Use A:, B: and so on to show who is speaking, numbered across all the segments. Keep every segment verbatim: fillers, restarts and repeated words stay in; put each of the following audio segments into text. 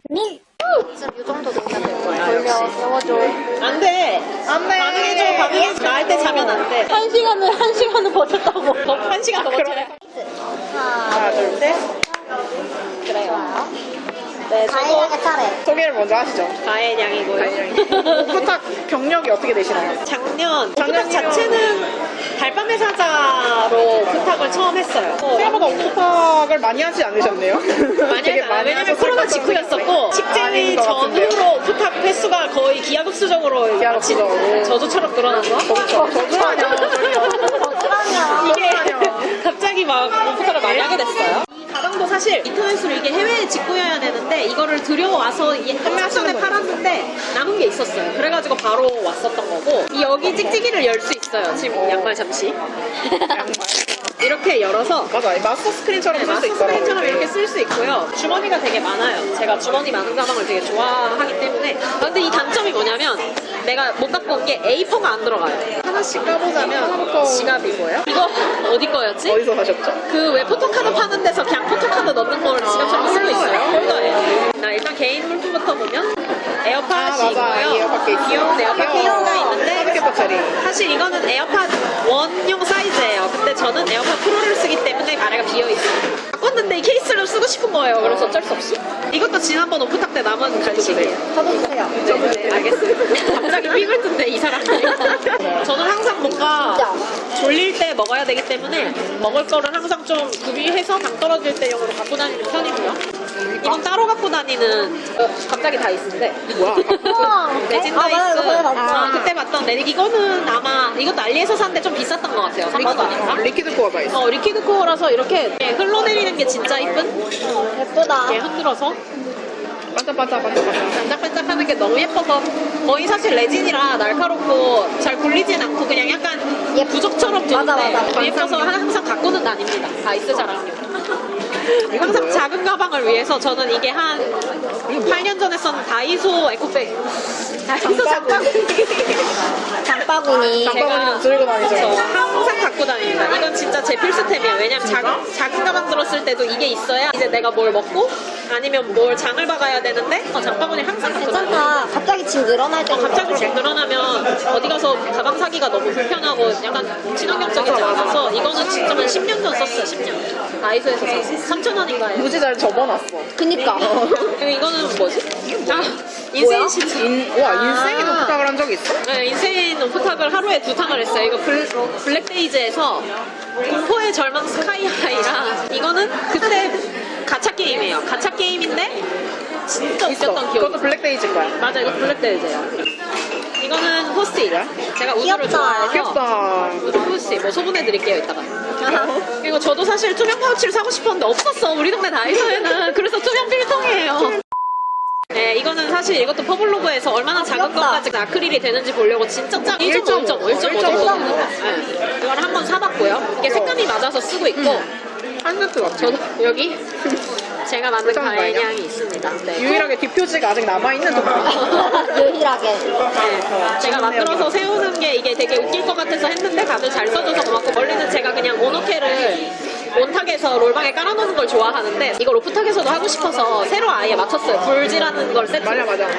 A: 민! 지금 이 정도 넣으면 될 거야.
B: 돌려, 세워줘.
C: 안 돼. 안 돼. 반응해줘, 반응해줘. 나할 때 자면 안 돼.
B: 한 시간을, 한 시간을 버텼다고.
C: 더, 한 시간 더 버텨야 돼.
A: 하나,
C: 둘, 셋. 그래요. 네, 저도
A: 다이아의 차례.
C: 소개를 먼저 하시죠. 가해량이고요. 오프탁 경력이 어떻게 되시나요? 작년, 작년 자체는 달밤의 사자로 오프탁을 처음 했어요. 생각보다 오프탁을 많이 하지 않으셨네요? 많이 되게
B: 많이
C: 왜냐면 코로나 직후였었고, 식재위 전후로 오프탁 횟수가 거의 기하급수적으로
B: 기하급수적으로.
C: 저주처럼 늘어난 거?
B: 저주하냐,
A: 어쩌라냐.
C: 이게 갑자기 막 오프탁을 많이 하게 됐어요. 이 가방도 사실 인터넷으로 이게 해외에 직구해야 되는데 이거를 들여와서 이게 한 전에 팔았는데 남은 게 있었어요. 그래가지고 바로 왔었던 거고, 이 여기 찍찍이를 열 수 있어요. 지금 양말 잡지. 양말. 이렇게 열어서
B: 맞아, 마스터 스크린처럼
C: 네,
B: 쓸 수
C: 마스터
B: 있더라고요.
C: 스크린처럼 이렇게 쓸 수 있고요. 주머니가 되게 많아요. 제가 주머니 많은 가방을 되게 좋아하기 때문에. 아, 근데 이 단점이 뭐냐면 내가 못 갖고 온 게 에이포가 안 들어가요. 하나씩 까보자면
B: 하나부터.
C: 지갑이고요. 이거 어디 거였지?
B: 어디서 사셨죠?
C: 그 왜 포토카드 파는 데서 그냥 포토카드 넣는 걸 지갑처럼 쓸 수 있어요. 홀더에. 나 일단 개인 물품부터 보면 에어팟이
B: 아, 맞아.
C: 있고요.
B: 에어팟 케이스.
C: 귀여운 에어팟
B: 귀여워.
C: 케이스가 있는데
B: 사백 개짜리.
C: 사실 이거는 에어팟 원용 사이즈예요. 근데 저는 에어팟 프로를 쓰기 때문에 아래가 비어있어요. 바꿨는데 이 케이스를 쓰고 싶은 거예요. 그래서 어쩔 수 없이. 이것도 지난번 오프탁 때 남은 간식이에요.
A: 저도 주세요.
C: 네, 네, 알겠습니다. 갑자기 삐글 뜬데 이 사람들이. 저는 항상 뭔가 졸릴 때 먹어야 되기 때문에 먹을 거를 항상 좀 구비해서 당 떨어질 때용으로 갖고 다니는 편이고요. 이건 따로 갖고 다니는 어, 갑자기 다이스인데
B: 뭐야?
A: 우와.
C: 레진
A: 아,
C: 다이스.
A: 맞아, 이거 전에 봤어.
C: 아, 그때 봤던 내 이거는 아마 이것도 알리에서 샀는데 좀 비쌌던 것 같아요. 삼만 원인가?
B: 리퀴드 코어가 있어.
C: 어, 리퀴드 코어라서 이렇게 흘러내리는 게 진짜 이쁜?
A: 예쁘다.
C: 이렇게 흔들어서
B: 반짝반짝 반짝반짝.
C: 반짝반짝하는 게 너무 예뻐서 거의 사실 레진이라 날카롭고 잘 굴리진 않고 그냥 약간
A: 예,
C: 부적처럼 두는데
A: 맞아, 맞아.
C: 너무 예뻐서 항상 갖고는 다닙니다. 다이스 자랑용. 항상 작은 가방을 위해서 저는 이게 한 팔 년 전에 썼는 다이소 에코백. 다이소 장바구니.
A: 장바구니.
B: 장바구니는 들고 다니죠.
C: 저 항상 갖고 다닙니다. 이건 진짜 제 필수템이에요. 왜냐면 작은, 작은 가방 들었을 때도 이게 있어야 이제 내가 뭘 먹고 아니면 뭘 장을 박아야 되는데 어, 장바구니 항상 갖고 다녀요.
A: 괜찮다. 갑자기 집 늘어날 때.
C: 어, 갑자기 집 늘어나면 어디 가서 가방 사기가 너무 불편하고 약간 친환경적이지 않아서 이거는 진짜 한 십 년 전 썼어요. 십 년. 다이소에서 샀어요. 삼천 원인가요?
B: 무지 잘 접어놨어.
A: 그니까.
C: 그리고 이거는 뭐지? 아, 인세인 시트.
B: 인, 와, 인생이 오프탁을 한 적이 있어?
C: 네, 인세인 오프탁을 하루에 두 탕을 했어요. 이거 블, 블랙데이즈에서 공포의 절망 스카이하이랑 이거는 그때 가챠 게임이에요. 가챠 게임인데 진짜 웃겼던 기억이
B: 그것도
C: 있어요.
B: 블랙데이즈 거야.
C: 맞아, 이거 블랙데이즈예요. 이거는 포스트잇. 제가 우주를
A: 귀엽다.
C: 좋아해서
B: 귀엽다.
C: 우주 포스트잇 뭐 소분해드릴게요 이따가. 그리고 저도 사실 투명 파우치를 사고 싶었는데 없었어. 우리 동네 다이소에는. 그래서 투명 필통이에요. 네, 이거는 사실 이것도 퍼블로그에서 얼마나 작은
A: 귀엽다.
C: 것까지 아크릴이 되는지 보려고 진짜 작 일 점 오, 일 점 오, 일 점 오 정도 되는 거. 네. 이걸 한번 사봤고요. 이게 색감이 맞아서 쓰고 있고
B: 한 세트 같아.
C: 저도 여기 제가 만든
B: 괜찮은 거 아니야?
C: 가해량이 있습니다. 네.
B: 유일하게 뒷표지가 아직 남아있는 동
A: 유일하게.
C: 네, 제가 만들어서 세우는 게 이게 되게 웃길 것 같아서 했는데 다들 잘 써줘서 고맙고, 원래는 제가 그냥 모노케를 온탁에서 롤방에 깔아놓는 걸 좋아하는데 이걸 오프탁에서도 하고 싶어서 새로 아예 맞췄어요. 불지라는 걸 세트.
B: 맞아, 맞아.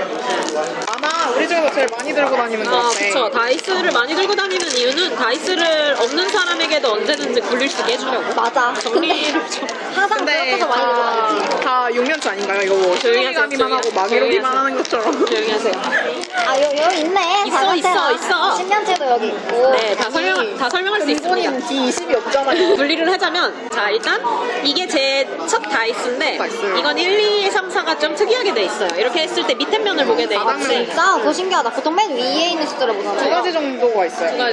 B: 아마 우리 중에서 제일 많이 들고 다니는 것
C: 아,
B: 같아.
C: 그쵸. 다이스를 많이 들고 다니는 이유는 다이스를 없는 사람에게도 언제든지 굴릴 수 있게 해주려고.
A: 맞아. 근데
C: 정리를 좀.
A: 항상
B: 근데
A: 그렇게서 많이 들고 다니지.
B: 다, 다 용면치 아닌가요? 이거 뭐
C: 조용히 하세요,
B: 시간이만 하고
C: 조용히
B: 막이러기만
C: 하세요.
B: 하는 것처럼.
C: 조용히 하세요.
A: 아, 여, 여기 있네.
C: 있어,
A: 발광체가.
C: 있어, 있어.
A: 십년째도 여기 있고.
C: 네, 다 설명, 다 설명할 수 있습니다.
B: 근본인 디 이십이 없잖아요.
C: 분리를 하자면, 자, 일단 이게 제 첫 다이스인데
B: 다이스.
C: 이건 일, 이, 삼, 사가 좀 특이하게 돼 있어요. 이렇게 했을 때 밑에 면을 보게 돼
B: 바닥면.
C: 있는데
A: 진짜 그거 신기하다. 보통 맨 위에 있는 숫자를
B: 두
A: 보잖아요.
B: 가지 정도가 있어요.
C: 두 가지.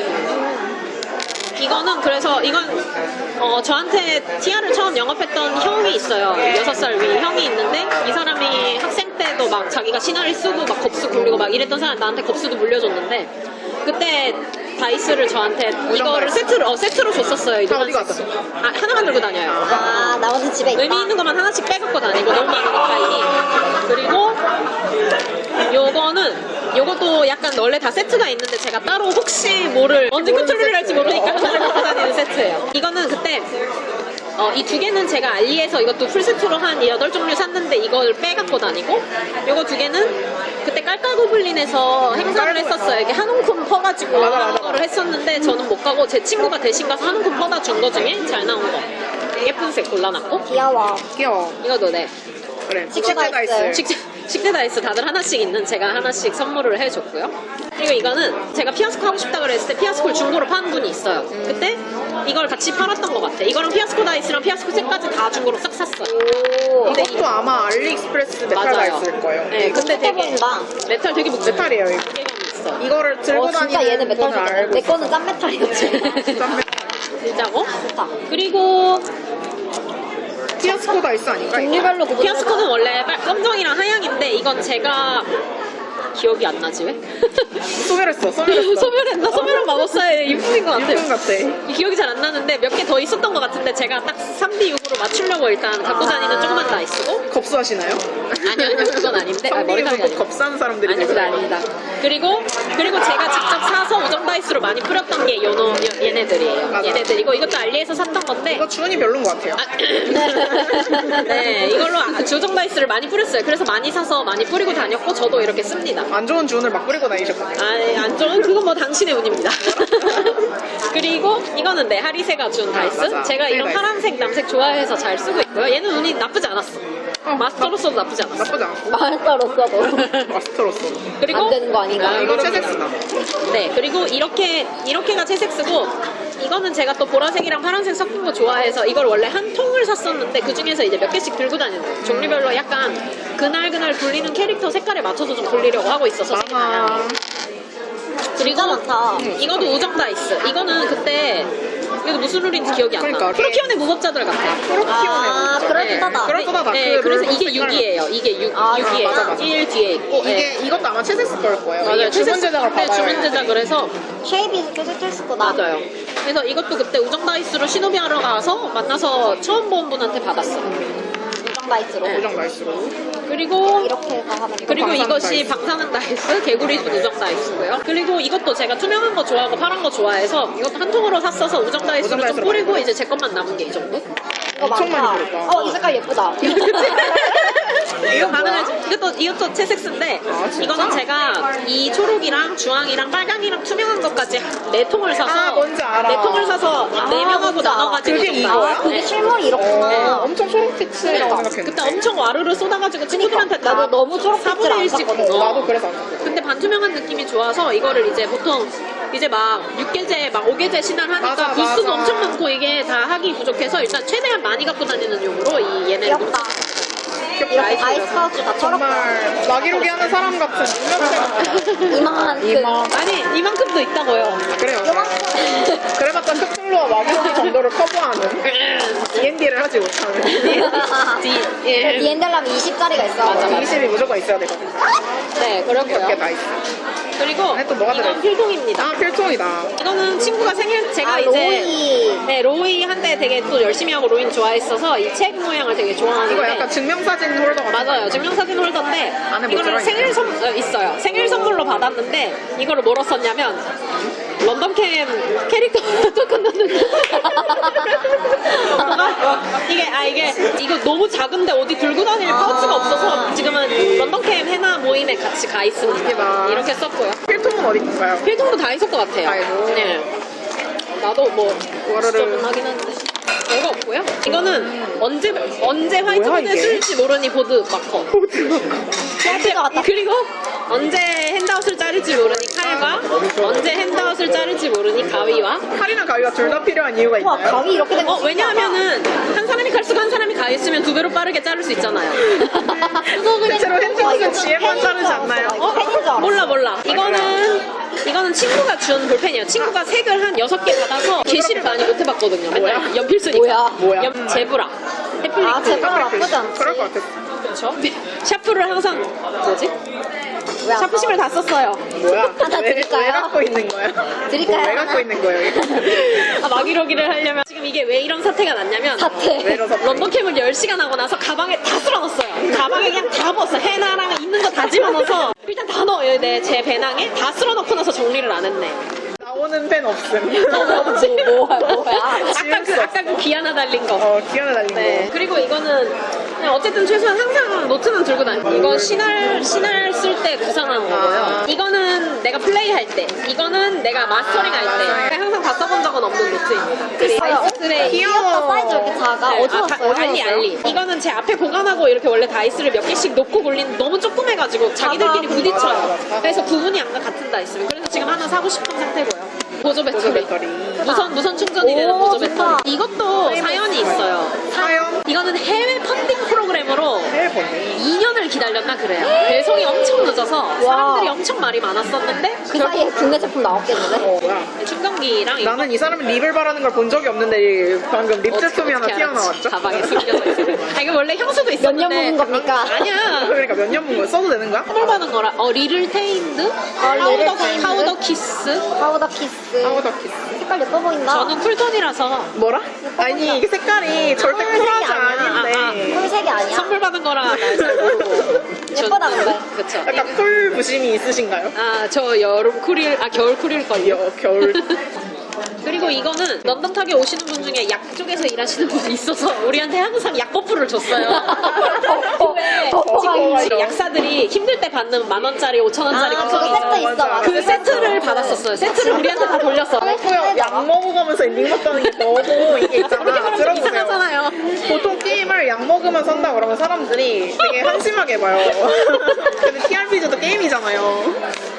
C: 이거는 그래서 이건 어, 저한테 티아를 처음 영업했던 형이 있어요. 여섯 살 위 형이 있는데 이 사람이 학생 때도 막 자기가 시나리 쓰고 막 겁수 굴리고 막 이랬던 사람, 나한테 겁수도 물려줬는데 그때 다이스를 저한테 이거를 세트로 어, 세트로 줬었어요. 이
B: 다 어디
C: 노란색. 아, 하나만 들고 다녀요.
A: 아, 나머지 집에 있다.
C: 의미 있는 것만 하나씩 빼갖고 다니고 너무 많으니까 이게. 그리고 요거는 요것도 약간 원래 다 세트가 있는데 제가 따로 혹시 뭐를 언제 컨트롤을 할지 모르니까 하나를 갖고 다니는 세트예요. 이거는 그때 어, 이 두 개는 제가 알리에서 이것도 풀세트로 한 여덟 종류 샀는데 이걸 빼갖고 다니고 요거 두 개는 그때 깔깔고블린에서 행사를 했었어요. 이게 한 움큼 퍼가지고
B: 맞아, 맞아.
C: 하는 거를 했었는데 저는 못 가고 제 친구가 대신 가서 한 움큼 퍼다 준 거 중에 잘 나온 거 예쁜 색 골라놨고
A: 귀여워.
B: 귀여워.
C: 이거도 네
B: 그래.
A: 식대 다이스.
B: 다이스.
C: 식대, 식대 다이스 다들 하나씩 있는 제가 하나씩 선물을 해줬고요. 그리고 이거는 제가 피아스코 하고 싶다 그랬을 때 피아스코를 중고로 파는 분이 있어요. 그때 이걸 같이 팔았던 것 같아. 이거랑 피아스코 다이스랑 피아스코 색까지 다 중고로 싹 샀어요.
A: 오.
C: 근데
B: 이것도 아마 알리익스프레스 메탈
C: 맞아요.
B: 다이스일 거예요.
C: 네, 근데 되게
A: 보인다.
C: 메탈 되게 묵직해.
B: 메탈이에요, 이거.
C: 무게감이 있어.
B: 이거를 들고
A: 어, 진짜
B: 다니는
A: 얘는 메탈
B: 분을
A: 좋다.
B: 알고
A: 내
B: 있어.
A: 거는 짠 메탈이었지.
B: 짠 메탈.
C: 진짜고?
A: 좋다.
C: 그리고
B: 피아스코 다이스 아닌가? 이거?
A: 종류별로 구분해서.
C: 피아스코는 원래 빨- 검정이랑 하양인데 이건 제가 기억이 안 나지 왜?
B: 소멸했어, 소멸했어.
C: 소멸했나? 소멸한 마법사의 유품인 것 같아요.
B: 유품 같아.
C: 이 기억이 잘 안 나는데 몇 개 더 있었던 것 같은데 제가 딱 삼 디 육으로 맞추려고 일단 갖고 다니는 조그만 다이스고
B: 겁수하시나요?
C: 아니요 아니요 그건 아닌데 아, 머리카락이
B: 삼 디
C: 아니고
B: 겁사는 사람들이
C: 아니 그건 아닙니다. 그리고 그리고 제가 직접 사서 우정 다이스로 많이 뿌렸던 게 요노 요- 얘네들이에요.
B: 맞아.
C: 얘네들이고 이것도 알리에서 샀던 건데
B: 이거 주은이 별론 것 같아요.
C: 아, 네 이걸로 아- 주정 다이스를 많이 뿌렸어요. 그래서 많이 사서 많이 뿌리고 다녔고 저도 이렇게 씁니다.
B: 안 좋은 주은을 막 뿌리고 다니셨거든요.
C: 아, 안 좋은 그건 뭐 당신의 운입니다. 그리고 이거는 네 하리세가 준 다이스.
B: 맞아.
C: 제가 이런
B: 다이스.
C: 파란색, 남색 좋아해서 잘 쓰고 있고요. 얘는 운이 나쁘지 않았어.
B: 어,
C: 마스터로서도 나쁘지 않았어.
B: 나쁘지 않고.
A: 마스터로서도
B: 마스터로서.
C: 그리고
A: 안 되는 거 아닌가?
C: 아,
B: 이거
C: 그럼요.
B: 채색스다.
C: 네, 그리고 이렇게 이렇게가 채색스고 이거는 제가 또 보라색이랑 파란색 섞은 거 좋아해서 이걸 원래 한 통을 샀었는데 그 중에서 이제 몇 개씩 들고 다니는 거예요. 종류별로 약간 그날 그날 굴리는 캐릭터 색깔에 맞춰서 좀 굴리려고 하고 있어서 색이 다양해요.
B: 아,
C: 그리고
A: 진짜 많다.
C: 음, 이것도 우정 다이스. 이거는 그때 이거 무슨 룰인지 기억이 안 나.
B: 그러니까.
C: 프로키온의 무법자들 같아요.
A: 아, 그럴듯하다.
B: 그럴듯하다.
C: 네,
B: 그
C: 그래서
B: 룰
C: 이게
B: 색깔
C: 육이에요. 이게 육,
A: 아,
C: 육이에요.
B: 맞아, 맞아.
C: 일 뒤에 있고.
B: 이게
C: 네.
B: 이것도 아마 채색스 걸 거예요.
C: 맞아요.
B: 이게 주문 제작을
C: 네,
B: 받아요.
C: 주문 제작을 해서
A: 쉐이비 채색스구나.
C: 맞아요. 그래서 이것도 그때 우정 다이스로 시노비 하러 가서 만나서 처음 본 분한테 받았어.
A: 우정 다이스로.
C: 네.
B: 우정 나이스로.
C: 그리고
A: 이렇게 해서 하는 거.
C: 그리고
B: 방사능
C: 이것이
B: 다이스.
C: 방사능 다이스, 개구리 우정 다이스고요. 그리고 이것도 제가 투명한 거 좋아하고 파란 거 좋아해서 이것도 한 통으로 샀어서 우정 다이스로
B: 우정
C: 좀
B: 다이스로
C: 뿌리고
B: 많이
C: 이제 제 것만 남은 게 이 정도?
A: 이거
B: 엄청
A: 많다.
B: 많이 들었다.
A: 어, 이 색깔 예쁘다.
C: 이거 가능하지. 이것도 이것도 채색스인데
B: 아, 진짜?
C: 이거는 제가 이 초록이랑 주황이랑 빨강이랑 투명한 것까지 네 통을 사서
B: 아, 뭔지 알아.
C: 네 통을 사서
A: 아,
C: 네 명하고
A: 뭔지 알아.
C: 나눠가지고
B: 그게
C: 좀
B: 이거야?
C: 나왔어요.
A: 아, 그게
C: 네.
A: 실물이 이렇구나.
C: 네.
B: 엄청 초록빛이라고 생각했는데.
C: 그때 엄청 와르르 쏟아가지고 친구들한테 다
A: 나도 너무 초록빛을 안
C: 사분의 일씩
A: 샀거든.
B: 어, 나도 그래서 안 샀어.
C: 근데 반투명한 느낌이 좋아서 이거를 이제 보통 이제 막 육 개제 막 오 개제 신안하니까
B: 맞아,
C: 부스도
B: 맞아.
C: 엄청 많고 이게 다 하기 부족해서 일단 최대한 많이 갖고 다니는 용으로 이 얘네를
A: 귀엽다. 이렇게 아이스 파우치 다 철없다.
B: 정말 마기로기 하는 사람 같은 유명세
A: 이만한 그
B: 이마.
C: 아니 이만큼도 있다고요.
B: 그래요.
A: 요만큼.
B: 그래봤자 크툴루와 마기로기 정도를 커버하는 디 앤 디를 하지 못하는
C: 디- 예.
A: 디엔델라면 이십 짜리가 있어.
C: 맞아.
B: 이십이 무조건 있어야 되거든.
C: 네
B: 몇 개
C: 그렇고요.
B: 다 있어.
C: 그리고
B: 안에 또 뭐가
C: 이건
B: 들어있어?
C: 필통입니다.
B: 아 필통이다.
C: 이거는 친구가 생일 제가
A: 아,
C: 이제
A: 로이.
C: 네 로이 한때 되게 또 열심히 하고 로이는 좋아했어서 이 책 모양을 되게 좋아하는데
B: 이거 약간 증명사진 홀더 같은
C: 맞아요. 증명사진 홀더인데
B: 안에 뭐
C: 이거를
B: 들어있나요?
C: 생일 선 어, 있어요. 생일 선물로 받았는데 이거를 뭐로 썼냐면 런던캠 캐릭터 조금 넣는 이게 아 이게 이거 너무 작은데 어디 들고 다닐 파우치가 없어서 지금은 런던캠 해나 모임에 같이 가 있습니다.
B: 대박.
C: 이렇게 썼고요.
B: 필통은 어디 건가요?
C: 필통도 다 있을 것 같아요.
B: 다이소.
C: 네. 나도 뭐
B: 와르르.
C: 진짜 하긴 한데 별거 없고요. 이거는 언제 언제 화이트보드에
B: 이게?
C: 쓸지 모르니 보드 마커.
A: 셀피가 같다.
C: 그리고 언제 핸드아웃을 자를지 모르니 칼과 언제 핸드아웃을 자를지 모르니 가위와
B: 칼이나 가위가 둘 다 필요한 이유가
A: 우와,
B: 있나요?
A: 가위 이렇게 된
C: 어
A: 거.
C: 왜냐하면은 한 사람이 칼 쓰고 한 사람이 가위 쓰면 두 배로 빠르게 자를 수 있잖아요.
A: 그거 그냥
B: 대체로 핸드아웃은 지혜만
A: 펜인
B: 자르지
A: 줄
B: 않나요?
A: 알았어. 나 이거 펜인 줄 알았어.
C: 몰라 몰라. 이거는 이거는 친구가 준 볼펜이에요. 친구가 색을 한 여섯 개 받아서 게시를 많이 못 해봤거든요. 맨날
B: 뭐야?
C: 연필 쓰니까.
A: 뭐야?
B: 뭐야?
C: 연- 제브라. 해플리크.
A: 아, 제브라 나쁘지 않지.
B: 그럴 것 같았어.
C: 그렇죠. 샤프를 항상 뭐지?
A: 왜 안
C: 샤프심을 다 썼어요.
B: 뭐야?
A: 하나
B: 왜,
A: 드릴까요?
B: 왜 갖고 있는 거야?
A: 드릴까요?
B: 뭐, 왜 갖고 있는 거예요? 이거?
C: 아, 마기로기를 하려면 지금 이게 왜 이런 사태가 났냐면
A: 사태.
B: 왜 이런 사태?
C: 런던 캠을 열 시간 하고 나서 가방에 다 쓸어넣었어요. 가방에 그냥 다 넣었어. 해나랑 있는 거 다 집어넣어서 일단 다 넣어요. 네, 제 배낭에 다 쓸어넣고 나서 정리를 안 했네.
B: 나 나오는 펜 없음.
A: 뭐, 뭐야, 뭐야.
C: 아까 그 아까 그 기아나 달린 거.
B: 어, 기아나 달린
C: 네.
B: 거.
C: 그리고 이거는 그냥 어쨌든 최소한 항상 노트는 들고 다녀. 이거 신할 신할 쓸 때 구상한 거고요.
B: 아.
C: 이거는 내가 플레이 할 때, 이거는 내가 마스터링 할 때. 항상 다 써본 적은 없는 노트입니다. 그리고 아이스트레이.
B: 귀여워.
A: 사이즈 이렇게 작아.
C: 네,
A: 어디서
C: 아, 다- 알리 알리. 이거는 제 앞에 보관하고 이렇게 원래 다이스를 몇 개씩 놓고 굴리는 너무 조그매가지고 자기들끼리 부딪혀요. 그래서 구분이 안 가 같은 다이스. 그래서 지금 하나 사고 싶은 상태고요. 보조 배터리.
B: 보조 배터리.
C: 무선 무선 충전이 되는
A: 오,
C: 보조
A: 좋다.
C: 배터리. 이것도 사연이 있어요.
B: 사연?
C: 이거는 해외 펀딩 프로그램으로
B: 해외 번네.
C: 이 년을 기다렸나 그래요. 배송이 엄청 늦어서 사람들이 엄청 말이 많았었는데
A: 그 사이에 국내 제품 나왔겠는데?
B: 어, 뭐야.
C: 충전기랑 이거
B: 나는 이 사람이 립을 바르는 걸 본 적이 없는데 방금 립
C: 어떻게-
B: 제품이 하나
C: 어떻게 알았지?
B: 튀어나왔죠?
C: 가방에 숨겨져 있어요. 아 이거 원래 향수도
A: 몇
C: 있었는데
A: 년 묵은 겁니까?
C: 아니야.
B: 그러니까 몇 년 본 거야? 써도 되는 거야?
C: 선물 받은 거라 어 리를 테인드 파우더
A: 리를 테인드?
C: 파우더 키스.
A: 파우더 키스.
B: 파우더 키스.
A: 색깔 예뻐 보인다.
C: 저는 쿨톤이라서
B: 뭐라? 아니 이게 색깔이 절대
A: 아, 색이
B: 쿨하지
A: 아니야.
B: 않은데
A: 꿀색이 아니야?
C: 선물 받은 거라 날 잘 모르고.
A: 예쁘다, 근데.
C: 그쵸.
B: 약간 쿨 부심이 있으신가요?
C: 아 저 여름 쿨일 아 겨울 쿨일걸요.
B: 여, 겨울
C: 그리고 이거는 런던 타게 오시는 분 중에 약 쪽에서 일하시는 분이 있어서 우리한테 항상 약 버프를 줬어요. 왜
A: 버퍼가
C: 지금 약사들이 힘들 때 받는 만 원짜리, 오천 원짜리
A: 아,
C: 같은
A: 그거
C: 거
A: 세트
C: 있어요.
A: 있어. 맞아.
C: 그 세트를 받았었어요. 세트를 우리한테 다 돌렸어.
B: 그렇고요. 약 먹어가면서 엔딩 봤다는 게 너무 이게
C: 그렇게
B: 있잖아.
C: 말하면 좀
B: 들어보세요.
C: 이상하잖아요.
B: 보통 게임을 약 먹으면 산다 그러면 사람들이 되게 한심하게 봐요. 근데 티알피지도 게임이잖아요.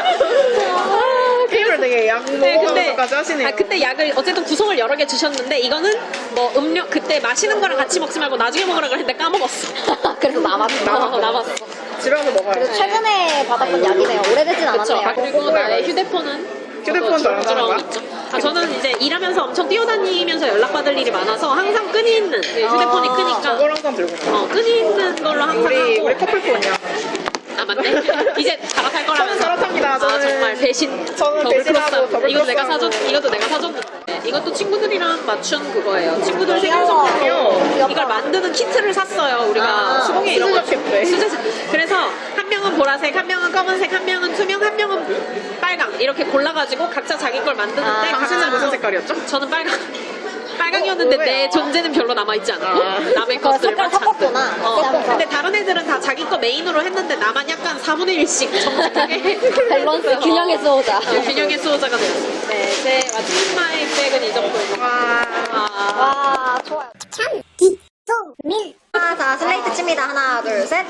B: 게임을 되게 약
C: 네,
B: 먹으면서까지 하시네요.
C: 아, 그때 약을 어쨌든 구성을 여러 개 주셨는데 이거는 뭐 음료 그때 마시는 거랑 같이 먹지 말고 나중에 먹으라 그랬는데 까먹었어.
A: 그래서 남았어.
C: 어, 남았어.
B: 집에 가서 먹어요.
A: 그래서 최근에 받았던 약이네요. 오래되진
C: 그렇죠.
A: 않았네요.
C: 그리고 나의 휴대폰은
B: 휴대폰
C: 저도
B: 잘하는 거야?
C: 있죠. 아 저는 이제 일하면서 엄청 뛰어다니면서 연락받을 일이 많아서 항상 끈이 있는 그 휴대폰이
B: 아,
C: 크니까
B: 저걸 항상 들고 있어요.
C: 어 끈이 있는 걸로 항상
B: 우리
C: 하고
B: 우리 커플폰이야.
C: 아 맞네. 이제 갈아탈 거라면서.
B: 저는 갈아탑니다.
C: 아
B: 저는-
C: 정말 배신.
B: 저는
C: 더블
B: 배신하고
C: 크로스하고.
B: 더블
C: 이것도 내가
B: 크로스하고.
C: 사줬. 이것도 내가 사줬는데. 네, 이것도 친구들이랑 맞춘 그거예요. 친구들 생일
A: 귀여워.
C: 선물로
A: 귀엽다.
C: 이걸 만드는 키트를 샀어요. 우리가
A: 아,
C: 수공예 이런 거.
B: 수제작 때.
C: 수제작. 그래서 한 명은 보라색, 한 명은 검은색, 한 명은 투명, 한 명은 빨강 이렇게 골라가지고 각자 자기 걸 만드는데
A: 아,
B: 당신은
C: 각자-
B: 무슨 색깔이었죠?
C: 저는 빨강. 빨강이었는데
B: 어, 왜요?
C: 내 존재는 별로 남아있지 않았고
B: 아.
C: 남의
A: 그거
C: 것들만
A: 색깔 섞었구나.
C: 잔뜩. 어,
A: 섞어서.
C: 근데 다른 애들은 다 자기 거 메인으로 했는데 나만 약간 사분의 일씩 정직하게
A: 밸런스 균형해서 오자.
C: 어, 균형의 수호자가 됐어요. 네, 제 왓츠마이 백은 이 정도입니다.
B: 와.
C: 아,
A: 와, 좋아요. 참, 기, 송, 밀. 아, 자, 슬레이트 칩니다. 하나, 둘, 셋.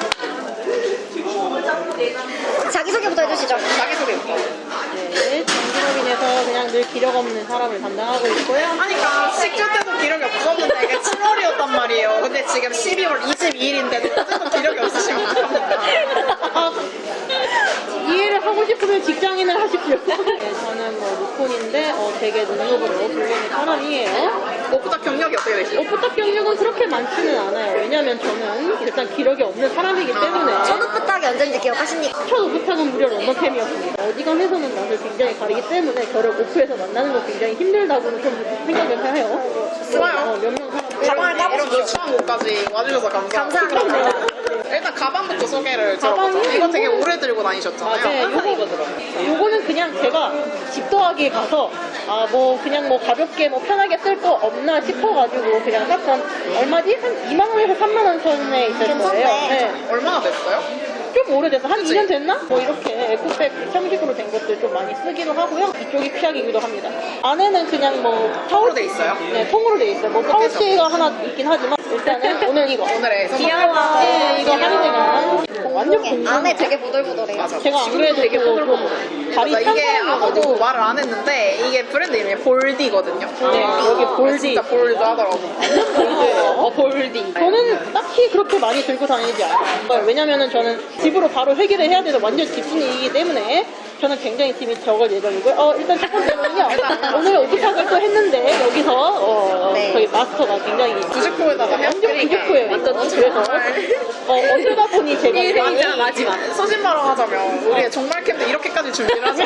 A: 자기소개부터 해주시죠.
B: 자기소개.
D: 네, 정신업인에서 그냥 늘 기력 없는 사람을 담당하고 있고요.
B: 하니까 식주 때도 기력이 없었는데 이게 칠월이었단 말이에요. 근데 지금 십이월 이십이일인데도 어쨌든 기력이 없으시면 어떡합니까?
D: 아, 이해를 하고 싶으면 직장인을 하십시오. 네, 저는 뭐 무콘인데 어, 되게 눈높으로 불리는 사람이에요.
B: 무엇보다 경력이 어떻게 되시죠?
D: 오프탑 경력은 그렇게 많지는 않아요. 왜냐면 저는 일단 기력이 없는 사람이기 때문에
A: 첫 오프딱이 언제인지 기억하십니까?
D: 첫 오프탑은 무려 런던템이었습니다. 어지간해서는 낯을 굉장히 가리기 때문에 저를 오프에서 만나는 거 굉장히 힘들다고는 좀 생각을 해요.
B: 좋아요.
D: 어, 몇명 사람
B: 가방을 까보시죠. 처음 옷까지 와주셔서 감사합니다.
A: 감사합니다.
B: 일단 가방부터 소개를
D: 가방이
B: 들어보자. 이거 되게 오래 들고 다니셨잖아요.
D: 네, 요거, 요거는 그냥 제가 집도하기 가서 아 뭐 그냥 뭐 가볍게 뭐 편하게 쓸 거 없나 싶어가지고 그냥 샀던 얼마지? 한 이만 원에서 삼만 원 선에 있을
A: 괜찮네.
D: 거예요. 네.
B: 얼마나 됐어요?
D: 좀 오래돼서 한
B: 그치?
D: 이 년 됐나? 뭐 이렇게 에코백 형식으로 된 것들 좀 많이 쓰기도 하고요. 이쪽이 피하기기도 합니다. 안에는 그냥 뭐
B: 통으로 돼 있어요?
D: 네, 통으로 돼 있어요. 뭐 파우치가 하나 있긴 하지만 일단은 오늘 이거.
B: 오늘의
C: 귀여워.
D: 네, 이거 할인이가 완전
A: 공룡해.
D: 공룡.
A: 안에 되게 보들보들해요.
B: 맞아.
D: 제가 안 그래도
B: 되게
D: 좀
B: 보들보들.
D: 다리
B: 맞아,
D: 짠
B: 이게 아무도
D: 사람이어가지고
B: 말을 안 했는데 이게 브랜드 이름이 볼디거든요.
D: 네, 여기 볼디.
B: 진짜 볼드 하더라고.
C: 어, 볼디.
D: 저는 딱히 그렇게 많이 들고 다니지 않아요. 왜냐면은 저는 집으로 바로 회계를 해야 돼서 완전 집순이이기 때문에 저는 굉장히 팀이 적을 예정이고요. 어, 일단 첫 번째는요. 오늘 오프탁을 또 했는데 여기서 어,
A: 네.
D: 저희 마스터가 굉장히
B: 구십포에다가
D: 완전 부족해요. 완전 그래서 어, 어쩌다 보니 제가
C: 일 회이자
D: 많이
C: 마지막.
B: 소신발언 하자면 우리의 종말 캠프 이렇게까지 준비를 하죠.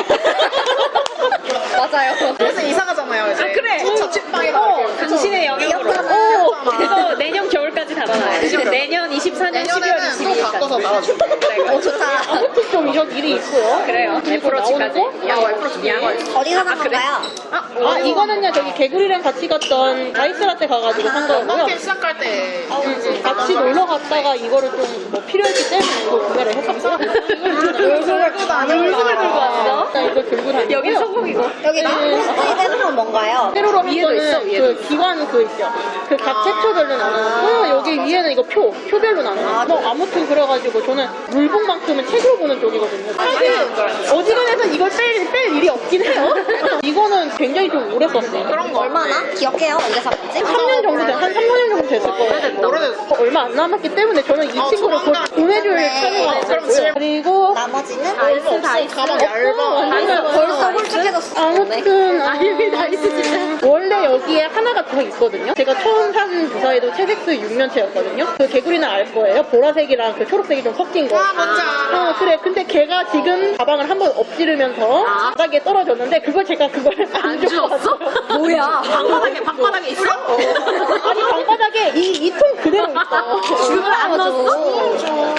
A: 맞아요.
B: 그래서 이사 가잖아요 이제.
C: 아, 그래.
B: 첫 자취방에다
C: 어,
B: 이렇게.
C: 당신의 영역으로.
B: 귀엽잖아.
C: 그래서 내년 겨울까지 달아놔요.
B: 내년 겨울.
C: 내년 이십사 년 십이월
B: 내년에는 또
C: 이십일 일까지.
B: 찍어서 나와줄게.
A: 어, 좋다.
D: 아무튼 좀 이런 일이 있고요.
C: 그래요.
D: 그리고
C: 애플워치까지.
D: 나오는 거?
C: 야, 애플워치 야.
A: 어디서 산 건가요?
D: 아, 이거는요, 저기 개구리랑 같이 갔던 다이스라떼 가가지고 산 거고요.
B: 런던캠 시작할 때
D: 같이 놀러 갔다가 이거를 좀 뭐 필요했기 때문에 이거 구매를 했었고요. 이걸 들고 다녀. 물건을 들고 왔어? 나 이거 들고 다니고.
C: 여기 성공이고.
A: 여기 포스트잇 해놓은 뭔가요?
D: 세로로
C: 위에도 있어,
D: 이거는
C: 위에도
D: 그 기관 그 있죠. 그 각 챕터별로 나누고 여기 위에는 이거 표, 표별로 나누고 뭐 아무튼 그래가지고 저는 물복만큼은 책으로 보는 쪽이거든요. 사실 어지간해서 이걸 뺄, 뺄 일이 없긴 해요. 이거는 굉장히 좀 오래 썼어요.
B: 그런 거
A: 얼마나? 기억해요? 언제 샀는지?
D: 삼 년 정도 돼, 한 삼, 사 년 정도 됐을 거예요.
B: 오래됐다.
D: 어, 얼마 안 남았기 때문에 저는 이
B: 어,
D: 친구를 곧
B: 조만간.
D: 보내줄
A: 네.
D: 참여가
B: 어, 그럼
D: 있었고요.
B: 질-
D: 그리고
A: 나머지는?
B: 없어. 가방 얇아.
D: 다이스
A: 벌써 홀쭉해졌어.
D: 아무튼 아, 여기 다이스 진짜 원래 여기에 하나가 더 있거든요. 제가 처음 산 주사위도 채색스 육 년체였거든요. 그 개구리는 알 거예요. 보라색이랑 그 초록색이 좀 섞인 거.
B: 아, 뭔지 알아.
D: 어, 그래. 근데 걔가 지금 가방을 한번 엎지르면서
C: 아.
D: 바닥에 떨어졌는데 그걸 제가 그걸 안
C: 안 주웠어? 뭐야? 방바닥에, 방바닥에 있어?
D: 아니 방바닥에 이 이 통 그대로 있어.
C: 그걸 안 넣었어?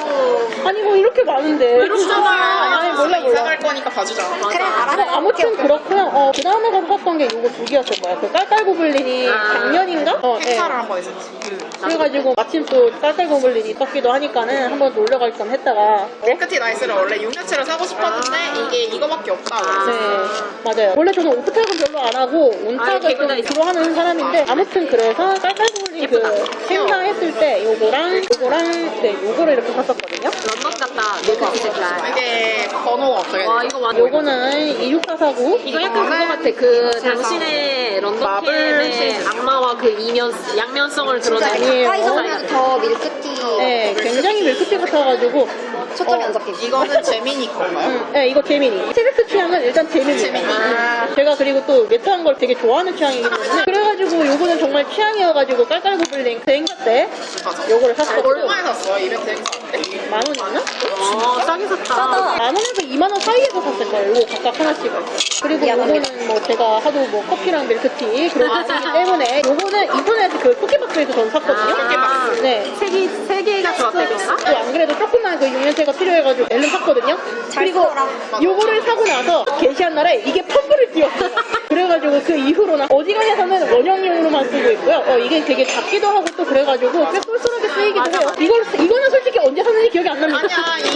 D: 아니 뭐 이렇게 많은데.
B: 그렇잖아.
D: 아니 몰라
B: 이사
D: 몰라.
B: 갈 거니까 봐주자.
A: 그래,
D: 뭐
A: 알았어.
D: 아무튼 그렇고요. 어, 그 다음에 가서 샀던 게 요거 두 개였을 거야. 그 깔깔고블린이
C: 아.
D: 작년인가? 어, 네.
B: 행사를 한 번 했었지.
D: 그래가지고 마침 또 깔깔고블린이 있었기도 하니까는 한번 놀러 갈 겸 했다가
B: 밀크티 나이스를 원래 육 년치를 사고 싶었는데 이게 이거밖에 없다고.
D: 네 맞아요. 원래 저는 오프탁은 별로 안 하고
C: 아,
D: 온탁을
C: 개구리
D: 좀
C: 있어.
D: 주로 하는 사람인데 아무튼 그래서 깔깔고블린 그 행사했을 때 요거랑 요거랑 네 요거를 이렇게 샀었거든요.
C: 런던 갔다 밀크티 색깔.
B: 이게 번호가 어떻게 돼?
C: 와, 이거 완전.
D: 요거는 이육사사구
C: 이거 약간 그거 같아. 그 당신의 런던
B: 마블
C: 캠의
B: 시리즈.
C: 악마와 그 이면 양면성을
A: 진짜
C: 드러내는
A: 가까이서
C: 스타일
A: 보면
C: 같아.
A: 더 밀크티
D: 네 굉장히 밀크티 같아가지고
A: 초점이 안 잡히지.
B: 이거는 재민이 건가요?
D: 음, 네, 이거 재민이. 체백스 취향은 일단 재민이.
B: 재민이.
D: 아, 제가 그리고 또 매트한 걸 되게 좋아하는 취향이기 때문에. 그래가지고 요거는 정말 취향이어가지고 깔깔고블린 그 행사 때
B: 맞아.
D: 요거를 샀었고.
B: 얼마에 샀어요? 이벤트 행사 때?
D: 만 원이었나?
C: 어, 싸게 샀다.
A: 싸다.
D: 만 원에서 이만 원 사이에서 샀을 거예요. 요거 각각 하나씩을. 그리고 요거는 뭐 제가 하도 뭐 커피랑 밀크티 그런 거 하기 때문에 요거는 이번에 그 쿠키박스에서 전 샀거든요.
C: 아,
D: 네.
C: 세 개, 세 개가 좋았대, 그런가?
D: 또 안 그래도 조그만 그 육 년째가 필요해가지고 얼른 샀거든요.
A: 잘
D: 그리고
A: 써라.
D: 요거를 사고 나서 게시한 날에 이게 펌블을 띄웠어요. 그래가지고 그 이후로는 어지간해서는 원형용으로만 쓰고 있고요. 어, 이게 되게 작기도 하고 또 그래가지고 꽤 쏠쏠하게 쓰이기도
C: 맞아,
D: 해요.
C: 맞아.
D: 이걸, 이거는 솔직히 언제 샀는지 기억이 안 납니다.
B: 아니야,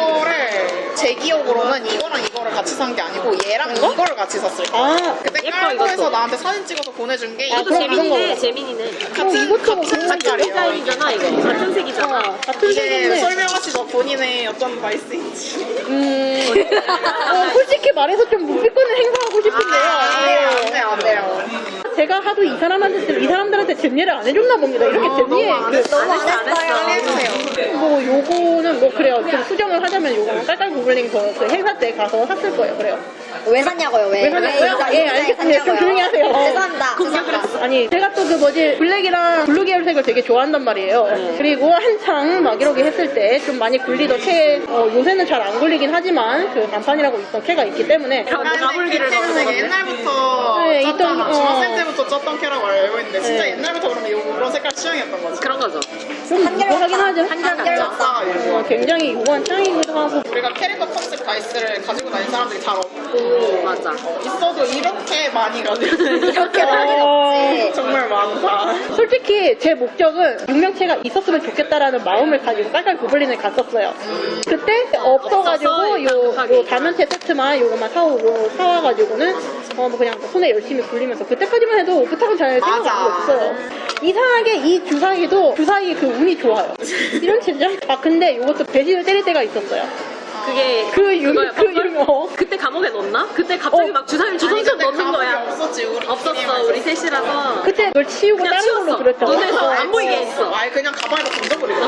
B: 이거를 제 기억으로는 이거랑 이거를 같이 산 게 아니고 얘랑
D: 이거?
B: 이거를 같이 샀을 거야.
D: 아,
B: 그때
C: 예뻐,
B: 깔고에서
C: 이것도.
B: 나한테 사진 찍어서 보내준 게
D: 아,
C: 이것도
D: 그럼
C: 재민이네,
D: 이런 거.
C: 재민이네.
B: 같은
D: 이것도
B: 같은
D: 그런
B: 색깔이에요.
C: 디자인이잖아, 이거. 같은 색이잖아.
D: 아, 같은
B: 이게
D: 색인데.
B: 설명하시죠 본인의 어떤 말씀인지.
D: 음, 어, 솔직히 말해서 좀 묵비권을 행사하고 싶은데요.
B: 안 돼요, 안 돼요, 안 돼요.
D: 제가 하도 이 사람한테, 이 사람들한테 잼예를 안 해줬나 봅니다. 이렇게 잼예.
C: 너무 안
D: 그,
A: 너무 안
C: 안 했어, 안
A: 했어요.
B: 해주세요.
D: 뭐 요거는 뭐 그래요. 좀 수정을 하자면 요거는 깔깔고블린 그, 그 행사 때 가서 샀을 거예요. 그래요.
A: 왜 샀냐고요? 왜?
D: 왜 샀냐고요?
A: 이거-
D: 예,
A: 이거
D: 알겠습니다. 좀 조용히 하세요.
A: 죄송합니다. 죄송합니다.
D: 아니 제가 또 그 뭐지 블랙이랑 블루 계열색을 되게 좋아한단 말이에요. 그리고 한창 막 이러게 했을 때 좀 많이 굴리던 캐 어, 요새는 잘 안 굴리긴 하지만 그 간판이라고 있던 캐가 있기 때문에
C: 가불기를
B: 되게
C: 넣었는데.
B: 옛날부터
D: 네,
B: 쪘잖아.
D: 있던, 어.
B: 중학생 때부터 쪘던 캐라고 알고 있는데 진짜
D: 네.
B: 옛날부터 그러면 이런 색깔 취향이었던 거지.
C: 그런 거죠.
D: 좀 무거하긴 하죠.
A: 한결같다.
D: 어, 굉장히 요구한 취향이기도 하고
B: 우리가 캐릭터 컨셉 다이스를 가지고 다니는 사람들이 잘 없고
C: 오, 맞아.
B: 있어도 이렇게 많이 가지고
A: 이렇게 많이
D: 어,
A: 없지.
B: 정말 많다.
D: 솔직히 제 목적은 육명체가 있었으면 좋겠다라는 마음을 가지고 깔깔 고블린을 갔었어요. 그때 없어가지고
C: 없어서
D: 요,
C: 급하게.
D: 요 다면체 세트만 요거만 사오고 사와가지고는 어, 뭐 그냥 손에 열심히 굴리면서 그때까지만 해도 오프탁은 잘 생각
B: 맞아.
D: 안 없어요. 이상하게 이 주사위도 주사위 그 운이 좋아요. 이런 젠장? 아 근데 요것도 배신을 때릴 때가 있었어요.
C: 그게
D: 그 유,
C: 그거야,
D: 그
C: 버블?
D: 유, 어.
C: 그때 감옥에 넣었나? 그때 갑자기
D: 어.
C: 막 주사위를
B: 아니,
C: 주섬주섬
B: 근데
C: 넣는
B: 감옥이
C: 거야.
B: 없었지 우리
C: 없었어, 우리 셋이라서.
D: 그때 그걸 치우고
C: 그냥
D: 다른 걸로
C: 치웠어.
D: 그렸잖아.
C: 눈에서 안 보이게 했어.
B: 아예 그냥 가방에다 던져버리고.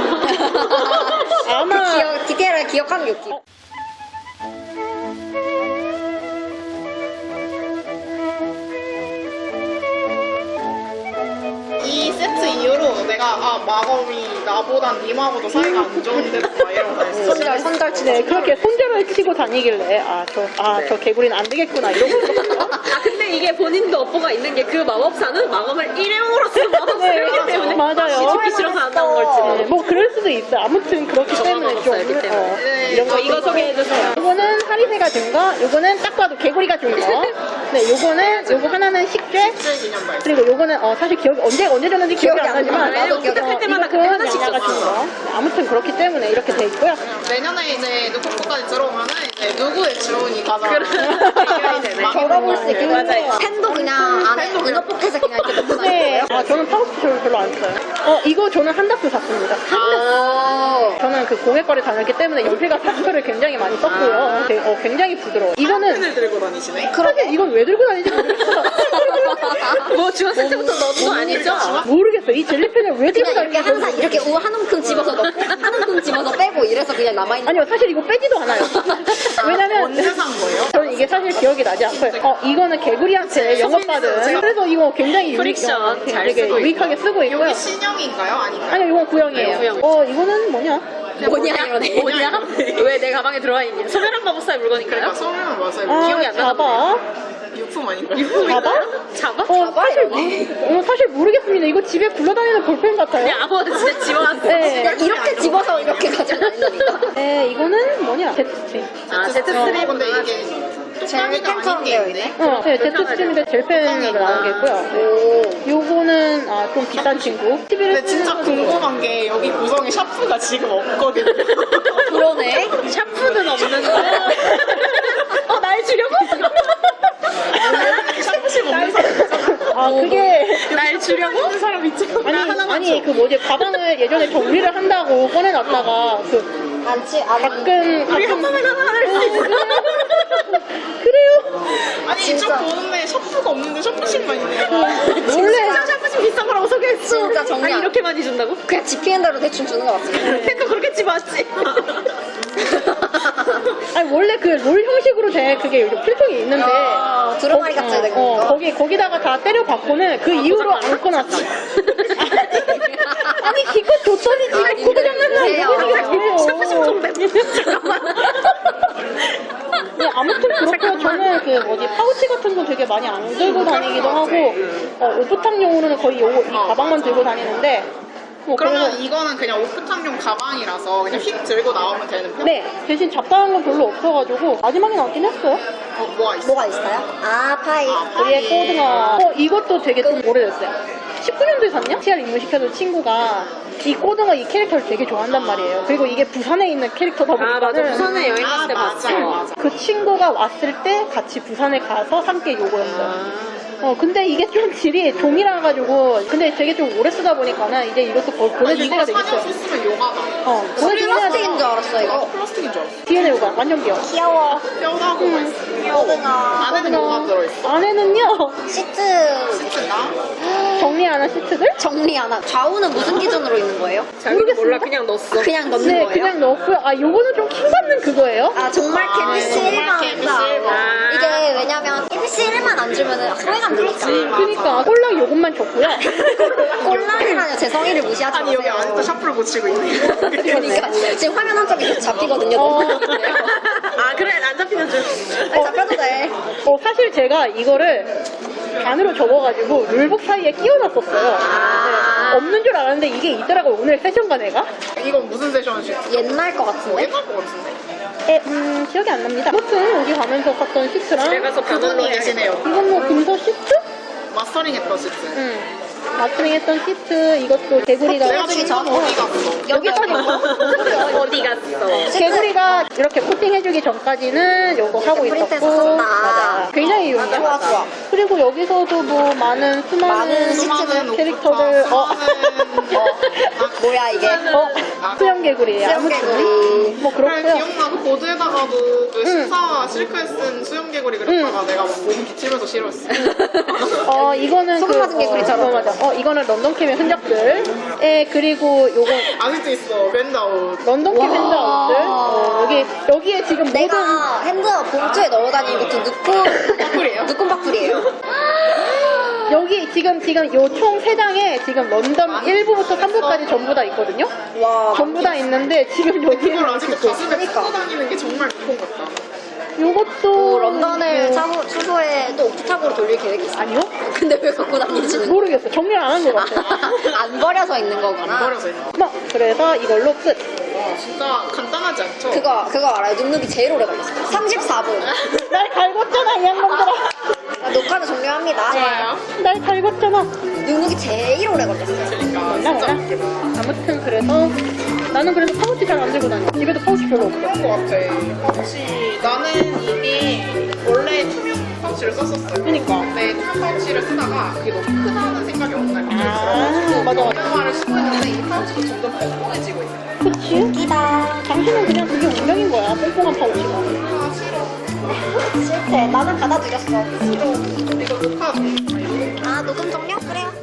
D: 아마
A: 기억, 디테일을 기억하는 게 웃기.
B: 이 세트 이후로 내가 아 마검이 나보단 님하고도 사이가 안 좋은데 막 이러고 다녔어.
A: 손절, 손절 치고.
D: 네, 그렇게 손절을 치고 다니길래 아 저 아 저 개구리는 안 되겠구나 이러고 있었어요.
C: 아, 근데 이게 본인도 업보가 있는 게 그 마법사는 마검을 일회용으로 쓰는 마법사이기
D: 네,
C: 때문에
D: 맞아요.
C: 뒤집기 싫어서 안 나온
D: 네,
C: 걸지.
D: 뭐 그럴 수도 있어요. 아무튼 그렇기 때문에 좀 이런 거
C: 이거 소개해주세요.
D: 요거는 하리새가 준 거, 요거는 딱 봐도 개구리가 준 거. 네, 요거는 요거 하나는 식재.
B: 기념발.
D: 그리고 요거는 어, 사실 기억이 언제 언제 줬는지 기억이, 안 나지만
A: 나도 기억이 안 나.
D: 어,
C: 때마다
D: 이것은
C: 그때 하나씩
D: 양아가 준
C: 줬어.
D: 거. 아무튼 그렇기 때문에 이렇게 돼 있고요.
B: 내년에 이제 누쿠코까지 들어오면은 이제 누구의 주온이 가장
C: 해결이 되네.
A: 걸어볼 수 있긴
C: 맞아.
A: 한데 펜도 그냥 안에 이너 포켓에 그냥 이렇게 넣고
D: 네,
A: 다니고요.
D: 아 저는 파우치 별로, 별로 안 써요. 어 이거 저는 한다스 샀습니다.
A: 아.
D: 저는 그 공예과를 다녔기 때문에 연필과 파스를 굉장히 많이 썼고요. 되- 어, 굉장히 부드러워. 이거는
B: 펜을 들고 다니시네.
D: 사실 이건 왜 들고 다니는지 모르겠어.
C: 뭐 중학생 때부터 넣은 거 아니죠?
D: 모르겠어. 이 젤리펜을 왜 들고
A: 그냥 이렇게
D: 다니는지
A: 항상 이렇게 우 한 움큼 집어서 넣고 한 움큼 집어서 빼고 이래서 그냥 남아있는
D: 아니요, 사실 이거 빼지도 않아요. 왜냐면
B: 언제 산 거예요?
D: 저는 이게 사실 기억이 나지 않고요. 어, 이거는 개구리한테 영업받은. 그래서 이거 굉장히 유익,
C: 프릭션
D: 어,
C: 잘
D: 되게
C: 쓰고
D: 유익하게 쓰고 있고요.
B: 여기 신형인가요? 아닌가요?
D: 아니요, 이건 구형이에요.
C: 네, 구형.
D: 어, 이거는 뭐냐?
A: 뭐냐 이러네.
C: 뭐냐? 왜 내 가방에 들어와 있냐? 소멸한 마법사의 물건인가요?
B: 그러니까 소리는 맞아요.
D: 아,
C: 기억이 안 나나
D: 잡아.
B: 유품 아닌가요?
D: 잡아?
C: 잡아?
D: 어, 사실, 어, 사실 모르겠습니다. 이거 집에 굴러다니는 볼펜 같아요.
C: 그냥 아무거나 진짜 집어왔어.
D: 네.
A: 그냥 이렇게 집어서 이렇게 가지고 다닌다니까.
D: 네, 이거는 뭐냐? 제트스트림.
C: 아,
B: 어,
C: 제트스트림.
B: 근데 이게 뚝딱이가 아닌 게 있네.
D: 어, 네, 제트스트림인데 젤펜으로 나온 게 있고요. 네. 요거는, 아, 좀 비싼 친구.
B: 근데 진짜 궁금한 게 여기 구성에 샤프가 지금 없거든요.
A: 그러네.
C: 샤프는 없는데. 어, 날 주려고?
B: 샤프심 없는 사람 있잖아.
D: 아, 그게.
C: 날 주려고?
B: 있는 사람 있잖아.
D: 아니, 아니, 그 뭐지, 가방을 예전에 정리를 한다고 꺼내놨다가, 그,
A: 안치 안
D: 가끔,
C: 우리 한 번에 하나 할 수 있어.
D: 그래요?
B: 아니
A: 진짜.
B: 이쪽 보는데 샤프가 없는데 샤프심만 있네.
D: 원래,
C: 샤프심 비싼 거라고 소개했어.
A: 진짜 정리
C: 아니,
A: 안-
C: 이렇게 많이 준다고?
A: 그냥 지피는 대로 대충 주는 거 같지.
C: 펜도 그렇게 집어왔지.
D: 아니, 원래 그 롤 형식으로 된 그게 요즘 필통이 있는데,
A: 아, 두루마리
D: 거기-
A: 같이 된
D: 어,
A: 거.
D: 거기, 거기다가 다 때려박고는 그 이후로 안 꺼놨지. 아니, 기껏 줬더니 지금
A: 아니,
D: 구두 장난을
A: 그래요.
D: 하고
C: 샤프심 좀 내. 잠깐만.
D: 네, 아무튼 그렇고 저는 그 뭐지 파우치 같은 거 되게 많이 안 들고 다니기도 하고 어, 오프탕용으로는 거의 요, 이 가방만 들고 다니는데 뭐
B: 그러면
D: 그래서
B: 이거는 그냥 오프탕용 가방이라서 그냥 휙 들고 나오면 되는 편?
D: 네 대신 잡다한 건 별로 없어가지고 마지막에 나왔긴 했어요.
B: 어, 뭐가 있어?
A: 뭐가 있어요? 아 파이.
D: 위에 꼬등어. 어 이것도 되게 좀 오래됐어요. 십구 년도에 샀냐? 씨알 입문시켜준 친구가 이 꼬등어 이 캐릭터를 되게 좋아한단 말이에요. 그리고 이게 부산에 있는 캐릭터다 보니까
C: 아, 맞아. 부산에 여행 갔을 때
B: 아,
C: 봤어.
B: 맞아, 맞아.
D: 그 친구가 왔을 때 같이 부산에 가서 함께 요거였어요. 어 근데 이게 좀 질이 종이라 가지고 근데 되게 좀 오래 쓰다 보니까는 이제 이것도 거-
B: 아,
D: 보내줄
B: 이거
D: 때가
B: 사 년
D: 되겠어요.
B: 썼으면 요가다.
D: 어 보내주긴 해야
A: 플라스틱인
D: 돼.
A: 줄 알았어 이거.
B: 나도 플라스틱인 줄 알았어.
D: 디엔에 요가 완전 귀여워.
A: 귀여워.
B: 뼈다고 맛있어.
A: 꼬등어.
B: 안에는 뭐가 들어있어?
D: 안에는요
A: 시트
B: 시트나?
D: 정리하는 시트들?
A: 정리 하나. 좌우는 무슨 기준으로 있는 거예요?
C: 자기도 몰라, 그냥 넣었어.
A: 그냥 넣는
D: 네
A: 거예요?
D: 그냥 넣었고요. 아 요거는 좀 킹받는 그거예요.
A: 아 정말 케이비씨
B: 정말
A: 일만
B: 케이비씨
A: 한다.
B: 일만.
A: 이게 왜냐면 케이비씨 일만 안 주면은 소외감 드니까.
D: 그러니까 꼴랑 요것만 줬고요.
A: 꼴랑이라뇨 제 성의를 무시하지
B: 아니 여기
A: 마세요.
B: 아직도 샤프를 고치고 있네.
A: 그러니까 지금 화면 한쪽이 계속 잡히거든요.
D: 어.
A: 너무 힘들어요.
C: 아, 그래. 안 잡히는 줄.
A: 아니, 잡혀도 돼.
D: 어, 사실 제가 이거를 반으로 접어가지고 룰북 사이에 끼워놨었어요. 네, 없는 줄 알았는데 이게 있더라고요. 오늘 세션과 내가.
B: 이건 무슨 세션이지?
A: 옛날 거 같은데?
B: 옛날 거 같은데.
D: 에, 음, 기억이 안 납니다. 아무튼 여기 가면서 샀던 시트랑
C: 집에 가서
B: 그분이
C: 변호로 해야겠다.
B: 계시네요.
D: 이건 뭐 금서 시트?
B: 마스터링 했던 시트.
D: 응. 마트링 했던 시트 이것도 개구리가
B: 내가 지금
A: 전-
B: 어디 갔어?
A: 여기까지
C: 어디 갔어?
D: 개구리가 이렇게 코팅해주기 전까지는 요거 하고
A: 프린트에서
D: 있었고
A: 썼다.
D: 맞아. 굉장히 유용해요.
A: 좋아, 좋아.
D: 그리고 여기서도 뭐 많은 수많은
A: 많은
B: 수많은
D: 캐릭터들
B: 오프타,
D: 어.
B: 수많은 어.
A: 뭐야 이게?
D: 어, 수영 개구리예요.
A: 수영 개구리.
D: 뭐
B: 그래
D: 그렇고요.
B: 기억나 그 보드에다가도 그
D: 응.
B: 신사와 실크에 쓴 수영개구리 그렸다가 내가 막 몸 비치면서 싫어했어.
D: 어 이거는
A: 소금 맞은
D: 그,
A: 개구리처럼.
D: 어, 맞아. 어 이거는 런던 캠의 흔적들. 에 그리고 요거
B: 아직도 있어 밴드아웃.
D: 런던 캠
A: 와.
D: 핸드아웃들. 어, 여기 여기에 지금 모든
A: 내가 핸드 봉투에 넣어 다니는 것도 누꾼
B: 바꿀이에요?
A: 누꾼 바꿀이에요.
D: 여기 지금 지금 요 총 세 장에 지금 런던 일 부부터 삼 부까지 전부 다 있거든요.
A: 와.
D: 전부 다 있는데 지금 여기에
B: 그걸 아직도 가슴에
A: 그러니까.
B: 쓰고 다니는 게 정말 무서운 것 같다.
D: 요것도
A: 또 런던을
D: 뭐-
A: 차후, 추후에 또 오프탑으로 돌릴 계획이 있어.
D: 아니요?
A: 근데 왜 갖고 다니지는?
D: 모르겠어. 정리를 안 한 것 같아요.
A: 안 버려서 있는 거구나.
B: 버려서 있는 거.
D: 뭐 그래서 이걸로 끝.
B: 진짜 간단하지 하지 않죠?
A: 그거 그거 알아요? 눅눅이 제일 오래 걸렸어요. 삼십사 분.
D: 날 갈궜잖아 이 양반들아.
A: 자, 녹화는 종료합니다.
B: 좋아요.
D: 날 갈궜잖아.
A: 눅눅이 제일 오래 걸렸어요.
B: 그러니까
D: 몰라
B: 진짜
D: 몰라. 아무튼 그래서 나는 그래서 파우치 잘 안 들고 다녀. 집에도 파우치 별로 없어.
B: 그런 것 같아. 파우치 나는 이게 원래 투명 파우치를 썼었어요.
D: 그니까.
B: 근데 투명 파우치를 쓰다가 그게 너무 크다는 생각이 어느 날
D: 아, 맞아, 맞아.
B: 영화를 쓰고 있는데 이 파우치가 점점 뻥뻥해지고 있어요.
D: 그치?
A: 웃기다.
D: 당신은 그냥 그게 운명인 거야. 뽕뽕한 파우치가.
B: 아 싫어.
A: 실패. 나는 받아들였어.
B: 싫어. 이거 녹화 좀.
A: 아 녹음 종료? 그래요.